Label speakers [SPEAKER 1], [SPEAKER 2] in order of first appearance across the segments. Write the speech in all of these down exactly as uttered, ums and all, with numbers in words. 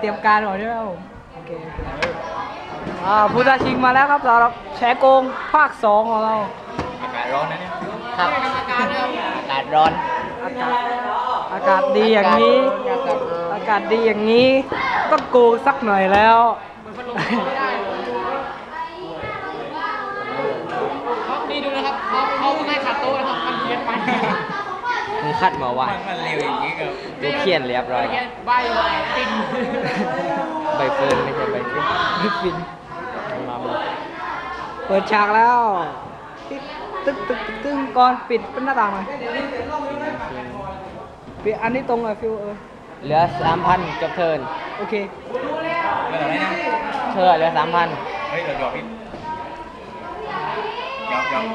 [SPEAKER 1] ยมการก่อนใช่ไหมครับผมโอเคอ่าผู้ท้าชิงมาแล้วครับสำหรับแฉโกงภาคสองของเรา
[SPEAKER 2] อากาศร้อนนะเนี่ย
[SPEAKER 3] ครับอากาศร้อน
[SPEAKER 1] อากาศอากาศดีอย่างนี้อากาศดีอย่างนี้ต้องโกงสักหน่อยแล้ว
[SPEAKER 3] นี่ดูนะครับเขาเขาไม่ขัดโต๊ะนะครับมันเพี้ยนไปมึงคัดมาว่า
[SPEAKER 2] มันเร็วอย่างนี้กับ
[SPEAKER 3] ดูเขียนเรียบร้อยใบฟินใบเฟิร์นไม่ใช่ใบฟินใบฟินมา
[SPEAKER 1] เปิดฉากแล้วตึ๊กตึ๊กตึ๊กตึ๊กก่อนปิดเป็นหน้าต่างหน่อยปิดอันนี้ตรงเลยฟิวเออ
[SPEAKER 3] เหลือสามพันจบเทิร์น
[SPEAKER 1] โอเค
[SPEAKER 2] เหลืออะไรนะ
[SPEAKER 3] เธอเหลือสามพัน
[SPEAKER 2] เฮ้ยเดี๋ยวหยอกพี่หยอกหยอก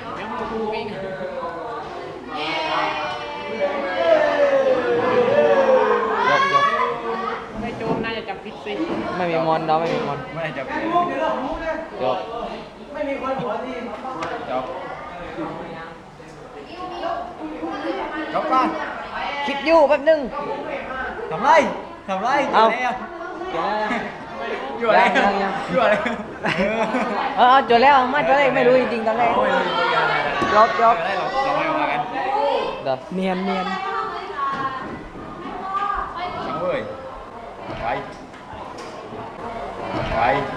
[SPEAKER 3] ยกยก
[SPEAKER 4] ไม่โจมน่าจะจับผิดสิ
[SPEAKER 3] ไม่มีมอนเราไม่มีมอน
[SPEAKER 2] ไม่จับ
[SPEAKER 3] ยก
[SPEAKER 2] ไม่มีคนหัวดีจบจบก่อน
[SPEAKER 3] คิดอยู่แป๊บนึง
[SPEAKER 2] ทำไรทำไร
[SPEAKER 3] เอา
[SPEAKER 2] อยู่อะไรอยู่อะไร
[SPEAKER 3] เออจบแล้วมาจบเลยไม่รู้จริงๆตอนแรก
[SPEAKER 1] จบจบเนียนเนียน
[SPEAKER 2] ช่างเว้ยไปไป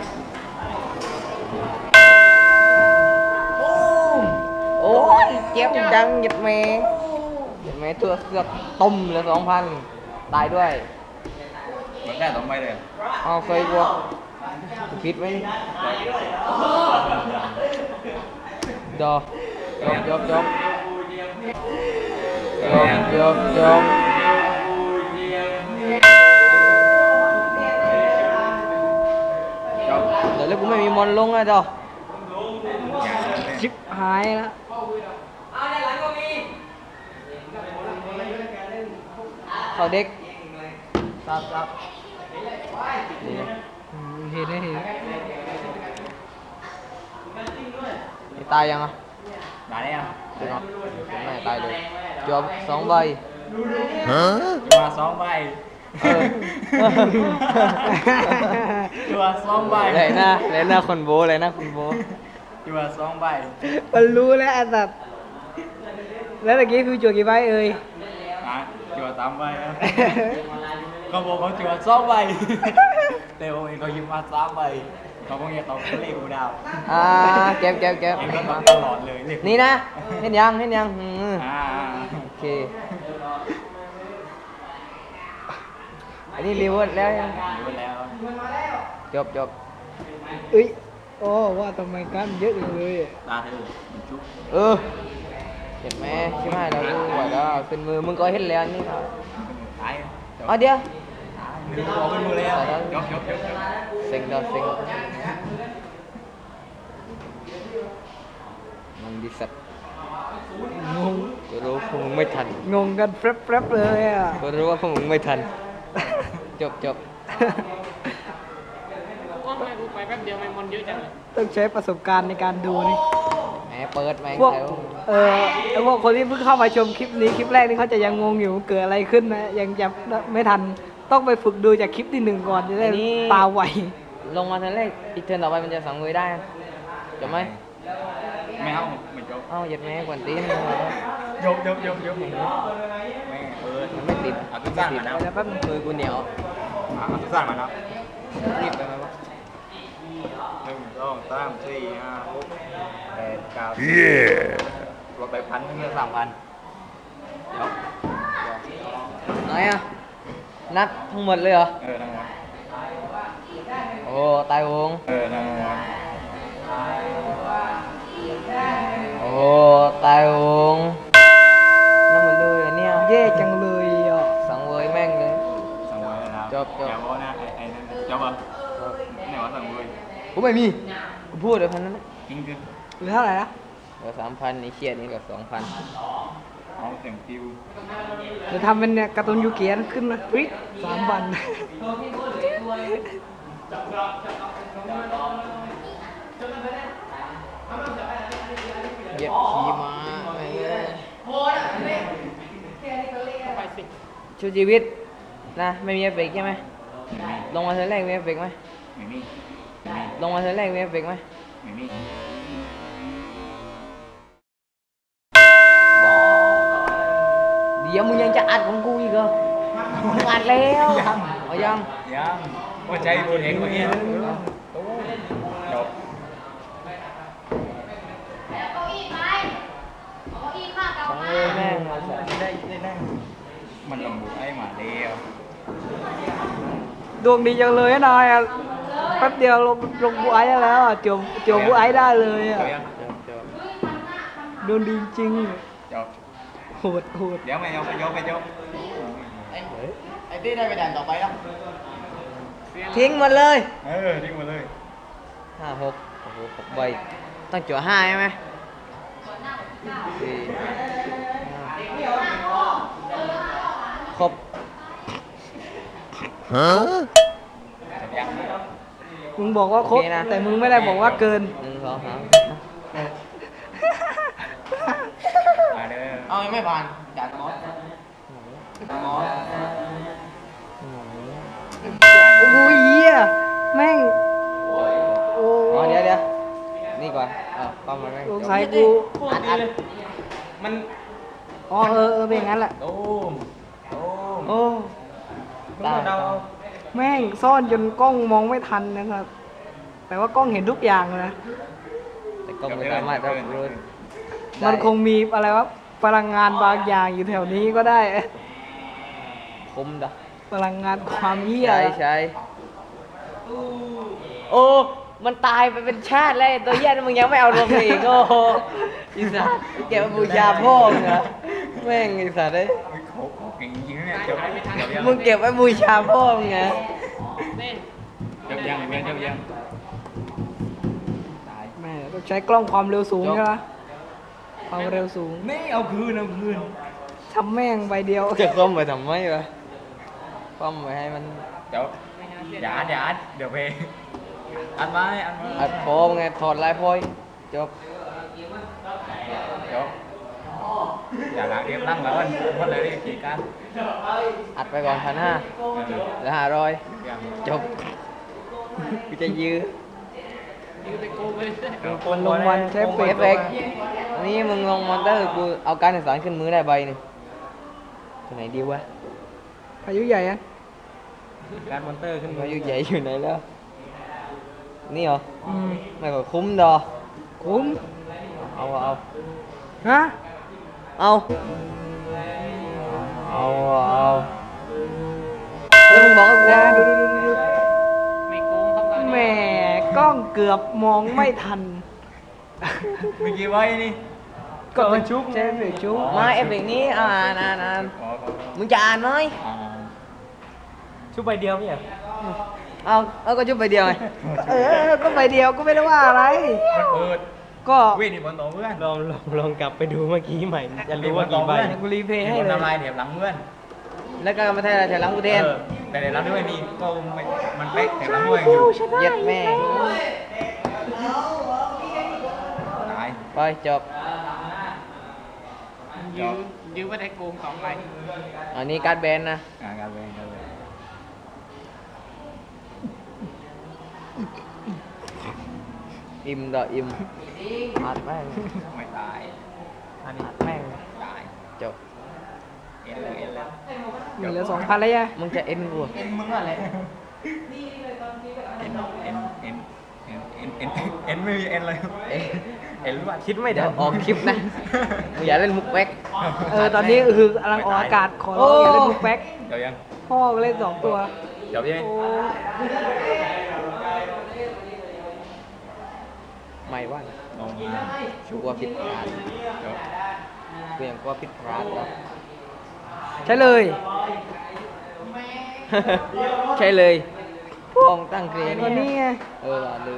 [SPEAKER 3] โอ้ยเจ็บจังหยิบเมย์หยิบเมย์ตัวเสือกต้มเหลือสองพันตายด้วย
[SPEAKER 2] เหมือนได้สองใบเลย
[SPEAKER 3] เอาเคยกลัวผิดไหมดอยกยกยกยกยกยกเดี๋ยวแล้วกูไม่มีมอนลงอ่ะดอ
[SPEAKER 1] ชิบหายแล้ว
[SPEAKER 3] เขาเด็กครับครับ
[SPEAKER 1] เห็นได้เห็น
[SPEAKER 3] ตายยังอ่ะ
[SPEAKER 2] ตายแล้ว
[SPEAKER 3] ยังไม่ตายเลยจบสองใบ
[SPEAKER 2] ฮะมาสองใบตัวสองใบ
[SPEAKER 3] เลยนะเลยนะคนโบเลยนะคนโบ
[SPEAKER 2] ตัวสองใบ
[SPEAKER 1] มันรู้แล้วไอ้สัตว์แล้วตะกี้คือจั่วกี่ใบเอ่ย
[SPEAKER 2] จั่วสามใบนะเขาบอกเขาจั่วสองใบแต่ผมเองเขายิงมาสามใบเขาคงอยากเอาเลขกูดาว
[SPEAKER 3] อ่าเก็บเก็บเก็บ
[SPEAKER 2] มาตลอดเลย
[SPEAKER 3] นี่นะเห็นยังเห็นยังโอเคอันนี้รีเวิร์สแล้วยัง
[SPEAKER 2] รีเวิร์สแล้ว
[SPEAKER 3] จบจบ
[SPEAKER 1] เอ้ยโอ้ว่าทำไมกันเยอะเลย
[SPEAKER 2] ตาเธอจุ๊บ
[SPEAKER 3] เออเห็นไหมใช่ไหมเราดูว่าเราเป็นมือมึงก็เห็นแล้วนี่ครับ
[SPEAKER 2] ตาย
[SPEAKER 3] อ๋อเดี๋ยว
[SPEAKER 2] ดึงออกเป็นมือแล้วยกยกยก
[SPEAKER 3] เซ็งดอเซ็งมึงดิสัต
[SPEAKER 1] งง
[SPEAKER 3] ก็รู้พวกมึงไม่ทัน
[SPEAKER 1] งงกันแป๊บๆเลยอ่ะ
[SPEAKER 3] ก็รู้ว่าพวกมึงไม่ทันจบจบ
[SPEAKER 4] ว่าไม่กูไปแป๊บเดียวไม่มอนเยอะจังเลย
[SPEAKER 1] ต้องใช้ประสบการณ์ในการดูนี่
[SPEAKER 3] แหมเปิดแมง
[SPEAKER 1] พวกเออไอพวกคนที่เพิ่งเข้ามาชมคลิปนี้คลิปแรกนี่เขาจะยังงงอยู่เกิดอะไรขึ้นนะยังจำไม่ทันต้องไปฝึกดูจากคลิปที่หนึ่งก่อนจะได้ตาไว
[SPEAKER 3] ลงมาเทิร์นแรกอีกเทิร์นต่อไปมันจะสังเวยได้จบไหม
[SPEAKER 2] ไม่เอาไม่จบ
[SPEAKER 3] เอ้าหยัดแม่กวนตีน
[SPEAKER 2] ยกยกยกยกไม่เปิด
[SPEAKER 3] มันไม่ติด
[SPEAKER 2] เอาตุ้งสั้นมานะ
[SPEAKER 3] แล้วแป๊บมือกูเหนียว
[SPEAKER 2] เอาตุ้งสั้นมานะ
[SPEAKER 3] รีบไปไหมวะ
[SPEAKER 2] หนึ่งสองสามสี่ห้าหกแปดเก้าลดไปพันเงินสามพันเดี๋ยว
[SPEAKER 3] ไหนอ่ะนับทั้งหมดเลยเหรอ
[SPEAKER 2] เออทั้งหมด
[SPEAKER 3] โอ้ตายวง
[SPEAKER 2] เออทั้งหมด
[SPEAKER 3] โอ้ตายวงนั่นหมดเลยเนี่ย
[SPEAKER 1] เย่จังเลยอ่ะ
[SPEAKER 3] สังเวยแม่งเลย
[SPEAKER 2] สังเวยนะ
[SPEAKER 3] จบจบ
[SPEAKER 2] อย่าบอกนะไอ้ไอ้นั่นจบอ่ะไหนวะสังเวย
[SPEAKER 3] กูไม่มีกูพูดเลยพันนั้น
[SPEAKER 2] จริงคือ
[SPEAKER 1] หรือเท่าไหร่นะ
[SPEAKER 3] เหลือสามพันนี่เชียดนี่กับสองพัน
[SPEAKER 2] เอาเต็มฟิว
[SPEAKER 1] จะทำเป็นเนี่ยการ์ตูนยูเกียนขึ้นมาฟรีสามวัน
[SPEAKER 3] เย็บขี่ม้าชูชีวิตนะไม่มีเอฟเฟกต์ใช่ไหมลงมาเธอแรกมีเอฟเฟกต์ไหม
[SPEAKER 2] ไม่มีไม่มี
[SPEAKER 3] ลงมาเธอแรกมีเอฟเฟกต์ไหม
[SPEAKER 2] ไม่มี
[SPEAKER 3] เดี๋ยวมึงยังจะอัดของกูอีกเหรอมึงอัดแล้วเอายัง
[SPEAKER 2] ยังว่าใจตัวเองเมื่อกี้ตู้จบ
[SPEAKER 3] สองเลยแม่ง
[SPEAKER 2] ได้ได้นั่งมันลงบุกไอ้หมาเดียว
[SPEAKER 1] ดวงดีจังเลยนะนายอ่ะแป๊บเดียวลงลงบูไอ้ได้แล้วอ่ะเจียวเจียวบูไอ้ได้เลยอ่ะ
[SPEAKER 2] เดี๋ยวยัง
[SPEAKER 1] ดวงดีจริง
[SPEAKER 2] จบ
[SPEAKER 1] โหดโหด
[SPEAKER 2] เดี๋ยวไม่ยอมไปยกไปยก
[SPEAKER 3] ไอ้ที่ได้ไปด่านต่อไปแล้วทิ้งหมดเลย
[SPEAKER 2] เออทิ้งมาเลย
[SPEAKER 3] ห้าหกโอ้โหหกใบต้องจั่วห้าใช่ไหมสี่ห้าครบ
[SPEAKER 2] จบยัง
[SPEAKER 1] มึงบอกว่าครบ
[SPEAKER 3] โอเคนะ
[SPEAKER 1] แต่มึงไม่ได้บอกว่าเกิน
[SPEAKER 3] หนึ่งสองสาม
[SPEAKER 2] มาเด้อ
[SPEAKER 3] เอาไม่ผ่านด่านมอสมอส
[SPEAKER 1] โอ้ยเหี้ยแม่งโอ้
[SPEAKER 3] อ๋อเดี๋ยวเดี๋ยวนี่ก่อนเออความมันไม่
[SPEAKER 1] สงสัยกู
[SPEAKER 3] อัดอัด
[SPEAKER 2] มัน
[SPEAKER 1] อ๋อเออเออเป็นอย่างนั้นแหละ
[SPEAKER 2] ตูมตูม
[SPEAKER 1] โอ้
[SPEAKER 3] ได้
[SPEAKER 2] เรา
[SPEAKER 1] แม่งซ่อนจนกล้องมองไม่ทันนะครับ แต่ว่ากล้องเห็นทุกอย่างเลยนะ
[SPEAKER 3] แต่ก็ไม่สามารถรับรู้ได้
[SPEAKER 1] มันคงมีอะไรวะพลังงานบางอย่างอยู่แถวนี้ก็ได้
[SPEAKER 3] คมดะ
[SPEAKER 1] พลังงานความเหี้ย
[SPEAKER 3] ใช่ใช่โอ้ มันตายไปเป็นชาติแล้วไอ้ตัวเหี้ยนั่นมึงยังไม่เอาลงมาอีกโอ้โหอีสัตว์เก็บมาบูชาพ่อมึงเหรอแม่งไอีสัตว์เอ้ย
[SPEAKER 2] โขกโขกเก่งจริงๆเนี่ยจบจบยัง
[SPEAKER 3] มึงเก็บไว้บูชาพ่อมึงไง
[SPEAKER 4] เล่น
[SPEAKER 2] จบยังยังจบยังตาย
[SPEAKER 1] แม่ต้องใช้กล้องความเร็วสูงใช่ไหมความเร็วสูง
[SPEAKER 2] นี่เอาคืนเอาคืน
[SPEAKER 1] ทำแม่งใบเดียว
[SPEAKER 3] จะคว่ำไปทำไมวะคว่ำไปให้มัน
[SPEAKER 2] จบอย่าอัดอย่าอัดเดี๋ยวไปอัดไว้อัดไว้
[SPEAKER 3] อัดโฟมไงถอดลายพอยจบ
[SPEAKER 2] จบอย่าล้างเรียบล้างแล้วมันมันเลยกี่การ
[SPEAKER 3] อัดไปก่อนพันห้าเหลือห้าร้อยจบกูจะยื้อ
[SPEAKER 4] ยืนไปโกงเลย
[SPEAKER 1] มันลงวันใช้
[SPEAKER 3] เอ
[SPEAKER 1] เปิด
[SPEAKER 3] ฟเฟกต์นี่มึงลงมอนเตอร์กูเอาการสื่อสารขึ้นมือได้ใบหนึงตัวไหนดีวะ
[SPEAKER 1] พายุใหญ่อะ
[SPEAKER 2] การมอนเตอร์ขึ้น
[SPEAKER 3] มาอยู่ใหญ่อยู่ไหนแล้ว นี่เหรอ
[SPEAKER 1] อืม
[SPEAKER 3] ไม่ก็คุ้มดอ
[SPEAKER 1] คุ้ม
[SPEAKER 3] เอาเอา
[SPEAKER 1] ฮะ
[SPEAKER 3] เอาเอาเอาแล้วมึงบอกว่ากู
[SPEAKER 1] ดูดูดูดู
[SPEAKER 4] ไม่โกงครับตอน
[SPEAKER 1] แห
[SPEAKER 4] นี้
[SPEAKER 1] มกล้องเกือบมองไม่ทัน
[SPEAKER 2] เมื่อกี้ไว้นี่
[SPEAKER 1] ก็มันชุบใช่ไหมชุบ
[SPEAKER 3] มาเอฟเฟกต์นี้อ่านอ่านอ่าน
[SPEAKER 2] อ๋อ
[SPEAKER 3] มึงจะอ่านไหม
[SPEAKER 2] อ่า
[SPEAKER 1] ชุบใบเดียวเนี่ย
[SPEAKER 3] เอาเอาก็จุบไปเดียวไง
[SPEAKER 1] เออ ก็ใบเดียวก็ไม่ได้ว่าอะไร
[SPEAKER 2] มันเปิด
[SPEAKER 1] ก็
[SPEAKER 2] วิ่งนี่บนโต๊ะเพื่อน
[SPEAKER 5] ลองลองลองกลับไปดูเมื่อกี้ใหม่ จะรู้ว่ากี่ใบ
[SPEAKER 1] เดี๋ยวกูรีเพลย์ให้
[SPEAKER 2] บน
[SPEAKER 1] เลย
[SPEAKER 2] ทำลายเดี๋ยวหลังเพื่อน
[SPEAKER 3] แล้วก็มาแทนอะไรแทนหลังกูแทน
[SPEAKER 2] เออแต่เดี๋ยวหลังด้วยมีก็ไม่มันเป๊กแต่หลังด้วยอยู่
[SPEAKER 3] เย็ดแม่
[SPEAKER 2] ตาย
[SPEAKER 3] ไปจบ
[SPEAKER 4] ยืมยืมไม่ได้โกงสองใบ
[SPEAKER 3] อันนี้การ์ดแบนนะ
[SPEAKER 2] อ่าการเวรการเวร
[SPEAKER 3] อิ่มต่ออิ่มอัดแม่ง
[SPEAKER 2] ไม่ตาย
[SPEAKER 3] อัดแม่ง
[SPEAKER 2] ตาย
[SPEAKER 3] จบ
[SPEAKER 2] เอ็นเลยเอ็นเลย
[SPEAKER 1] มีเหลือสองพันแล้วยัง
[SPEAKER 3] มึงจะเอ็นกู
[SPEAKER 2] เอ็นมึงอะไรเอ็นเอ็นเอ็นเอ็นเอ็นเอ็นเอ็นไม่มีเอ็นเลยเอ็นรู้ว่าคิดไม่
[SPEAKER 3] เดี๋
[SPEAKER 2] ได้
[SPEAKER 3] ยวออกคลิปนะมึงอย่าเล่นมุกแป๊ก
[SPEAKER 1] เออ ตอนนี้คือกำลังออกอากาศขอร้องอย่าเล่นลูกแป๊ก
[SPEAKER 2] เดี๋ยวยัง
[SPEAKER 1] พ่อก็เล่นสองตัว
[SPEAKER 2] เดี๋ยวยัง
[SPEAKER 1] โอ้
[SPEAKER 3] ไม่ว่า
[SPEAKER 2] ลง
[SPEAKER 3] ชัวร์ผิดพลาด
[SPEAKER 2] เดี๋ยว
[SPEAKER 3] กูยังกลัวผิดพลาดวะ
[SPEAKER 1] ใช่เลย
[SPEAKER 3] ใช่เลยพ่อมึงตั้งเกรน
[SPEAKER 1] ตัวนี้ไง
[SPEAKER 3] เออว่ะลืม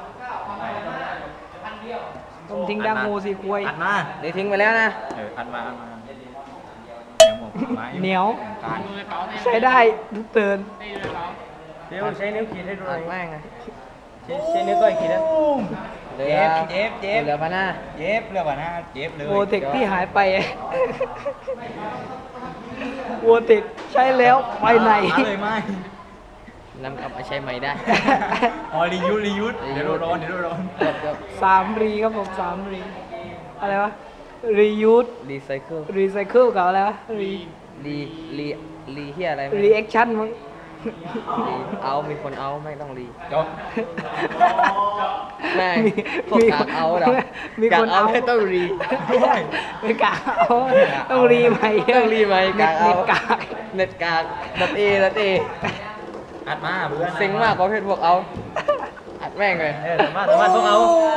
[SPEAKER 1] ผมทิ้งดังโมสีควย
[SPEAKER 2] อัดมา
[SPEAKER 3] เดี๋ยวทิ้งไปแล้วนะ
[SPEAKER 2] เอออัดมาอัดมาเดี๋ยวหมกไม้
[SPEAKER 1] เหนียว
[SPEAKER 2] การ
[SPEAKER 4] ดูในเป๋าเนี่ย
[SPEAKER 1] ใช้ได้ทุกเตือน
[SPEAKER 4] ได้ดูในเป๋า
[SPEAKER 5] เดี๋ยวใช้นิ้วขีดให้ดูห
[SPEAKER 3] อั
[SPEAKER 5] น่อ
[SPEAKER 3] ด
[SPEAKER 5] ย
[SPEAKER 3] แม่งอะ
[SPEAKER 5] ใช้ใช้นิ้วก้อยขีดนะ
[SPEAKER 3] เหลือ
[SPEAKER 2] เจ็บเจ็บ
[SPEAKER 3] เหลือพันห้า
[SPEAKER 2] เจ็บเรื่องว่านะเจ็บเลย
[SPEAKER 1] โวเทคที่หายไปโวเทคใช้แล้วไปไหน
[SPEAKER 2] หาเลยไม่
[SPEAKER 3] นำกลับมาใช้ใหม่ได้
[SPEAKER 2] อ๋อรียูสรียูสเดี๋ยวโดนร้อนเดี๋ยวโดนร้อน
[SPEAKER 3] เกือบเกือบ
[SPEAKER 1] สามรีครับผมสามรีอะไรวะรียูส
[SPEAKER 3] รีไซเคิล
[SPEAKER 1] รีไซเคิลกับอะไรวะรี
[SPEAKER 3] รีรีรีเฮียอะไรไม่
[SPEAKER 1] รีแอคชั่นมั้ง
[SPEAKER 3] รีเอามีคนเอาไม่ต้องรี
[SPEAKER 2] จบ
[SPEAKER 3] แม่ง
[SPEAKER 1] มี
[SPEAKER 3] พวก
[SPEAKER 1] มี
[SPEAKER 3] กากเอาเหรอ
[SPEAKER 1] มี
[SPEAKER 3] กา
[SPEAKER 1] ค
[SPEAKER 3] ก
[SPEAKER 1] น
[SPEAKER 3] เอา
[SPEAKER 1] เอา
[SPEAKER 3] ไม่ต้องรี
[SPEAKER 1] ไม่กล้าเอาต้องรีใหม่
[SPEAKER 3] ต้องรีไหม
[SPEAKER 1] เน็
[SPEAKER 3] กา
[SPEAKER 1] ต
[SPEAKER 3] กเอา
[SPEAKER 1] เน็ตกาก
[SPEAKER 3] เน็ตกากดัดเอดัดเอ
[SPEAKER 2] อัดมาเพื่อน
[SPEAKER 3] เซ็งมากประเภทพวกเอาอัดแม่งเลย
[SPEAKER 5] เออสามารถสามารถพวกเอา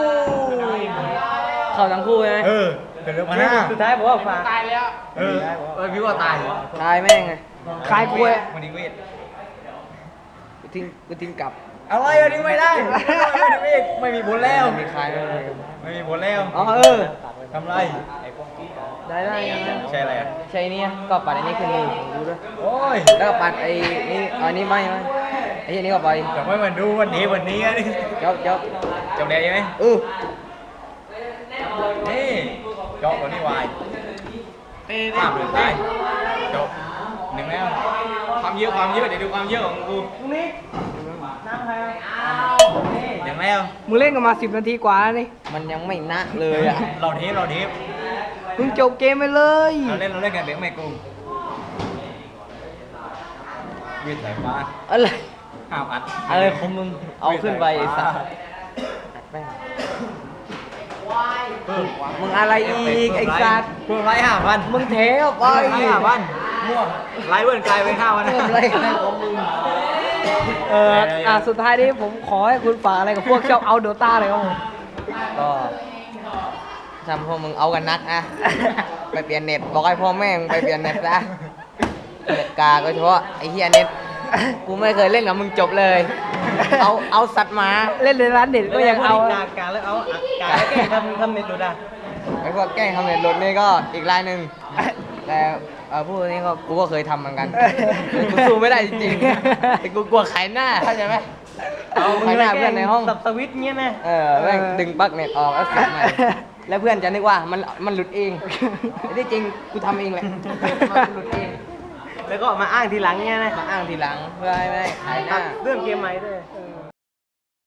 [SPEAKER 3] เข้าทั้งคู่ใช่ไหม
[SPEAKER 2] เออเป็นเรื่องมาหน้า
[SPEAKER 5] สุดท้ายผมว่าฝาก
[SPEAKER 4] ตายแล้ว
[SPEAKER 2] เออเออพี่ว่าตาย
[SPEAKER 3] ตายแม่งเลย
[SPEAKER 1] คลายกล้วย
[SPEAKER 2] มันดีเวท
[SPEAKER 3] กูทิ้งกูทิ้งกลับ
[SPEAKER 2] อะไรอันนี้ไม่ได้ไม่ได้ไม่ไม่มีผลแล้ว
[SPEAKER 3] มีใครไม่มี
[SPEAKER 2] ไม่มีผลแล้ว
[SPEAKER 3] อ๋อเออ
[SPEAKER 2] ทำไร
[SPEAKER 3] ได้ได้ได้
[SPEAKER 2] ใช่อะไรอ่ะ
[SPEAKER 3] ใช่เนี่ยก็ปัดอันนี้ขึ้นมือดูด้วย
[SPEAKER 2] โอ้ย
[SPEAKER 3] แล้วก็ปัดไอ้นี่เอาอันนี้ไม่ไหมไอ้ที่นี้ก็ไป
[SPEAKER 2] แต่ไม่มาดูวันนี้วันนี้อันนี้
[SPEAKER 3] จบจบ
[SPEAKER 2] จบแล้วใช่ไหม
[SPEAKER 3] เออ
[SPEAKER 2] นี่จบวันนี้วาย
[SPEAKER 4] เต้
[SPEAKER 2] ภาพเหลือตายจบหนึ่งแล้วความเยอะความเยอะเดี๋ยวดูความเยอะของกูอย่างแล้ว
[SPEAKER 1] มึงเล่นกันมาสิบนาทีกว่าแล้วนี่
[SPEAKER 3] มันยังไม่นะเลยอ่ะ
[SPEAKER 2] เราเทปเราเทป
[SPEAKER 1] มึงจบเกมไปเลย
[SPEAKER 2] เราเล่นเราเล่นกันเด็กไม่กูยืดสายฟ้า
[SPEAKER 3] อะไร
[SPEAKER 2] ห้ามอัด
[SPEAKER 3] อะไรของมึงเอาขึ้นไปไอ้สัสอัดแม่ง
[SPEAKER 2] เพิ่ม
[SPEAKER 3] มึงอะไรอีกไอ้สัส
[SPEAKER 2] เพิ่มไลค์ห้าพัน
[SPEAKER 3] มึงเทออกไป
[SPEAKER 2] ไลค์ห้าพันม่วงไลค์เบิ้ลกลายเป็นห้าพัน
[SPEAKER 3] เพิ่มอะไรกันของมึง
[SPEAKER 1] เอออ่ะสุดท้ายนี้ผมขอให้คุณฝากอะไรกับพวกชอบเอาโดต้าเลยครับผม
[SPEAKER 3] ก็ทำพวกมึงเอากันนักนะไปเปลี่ยนเน็ตบอกให้พ่อแม่มึงไปเปลี่ยนเน็ตซะเน็ตกาก็เฉพาะไอ้เฮียเน็ตกูไม่เคยเล่นกับมึงจบเลย เอาเอาสัตว์หมา
[SPEAKER 1] เล่นในร้านเด็ดก็ยังเอา
[SPEAKER 5] กากาแล้วเอากาแล้วแกล้งทำทำเน็ตดูได้
[SPEAKER 3] ไอ้พวกแกล้งทำเน็ตหลุดนี่ก็อีกรายหนึ่งแต่เออพวกนี้ก็กูก็เคยทำเหมือนกันแต่กูสู้ไม่ได้จริงๆแต่กูกลัวขายหน้าเข้าใจไหมขายหน้าเพื่อนในห้อง
[SPEAKER 5] สับสวิตช์เงี้ยนะ
[SPEAKER 3] เออแม่งดึงปลั๊กเน็ตออกแล้วสับใหม่แล้วเพื่อนจะนึกว่ามันมันหลุดเองแต่ที่จริงกูทำเองแหละมันหลุดเอง
[SPEAKER 5] แล้วก็มาอ้างทีหลังเงี้ยนะ
[SPEAKER 3] มาอ้างทีหลังเพื่อให้ไม่ให้ขายหน้า
[SPEAKER 5] เรื่องเกมใหม่ด้วย
[SPEAKER 1] เอ